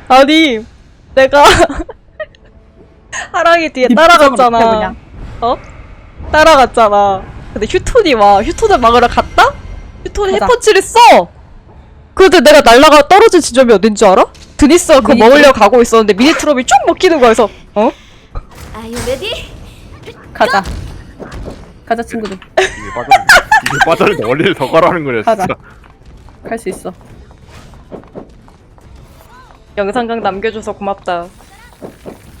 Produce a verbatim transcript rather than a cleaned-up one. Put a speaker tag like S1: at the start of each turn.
S1: 아니 내가 하랑이 뒤에
S2: 네
S1: 따라갔잖아.
S2: 표정으로 그냥.
S1: 어? 따라갔잖아. 근데 휴톤이 와. 휴톤을 막으러 갔다? 휴톤이
S2: 가자.
S1: 해퍼치를 써. 근데 내가 날라가 떨어진 지점이 어딘지 알아? 드니스가 그거
S2: 미니트롭?
S1: 먹으려고 가고 있었는데 미니트롭이 쭉 먹히는 거야. 그래서 어?
S3: Are you ready?
S2: 가자. 가자 친구들.
S4: 이게 빠졌는데 이게 빠졌는데 원리를 더 가라는 거냐
S2: 가자.
S4: 진짜.
S2: 갈 수 있어.
S1: 영상각 남겨줘서 고맙다.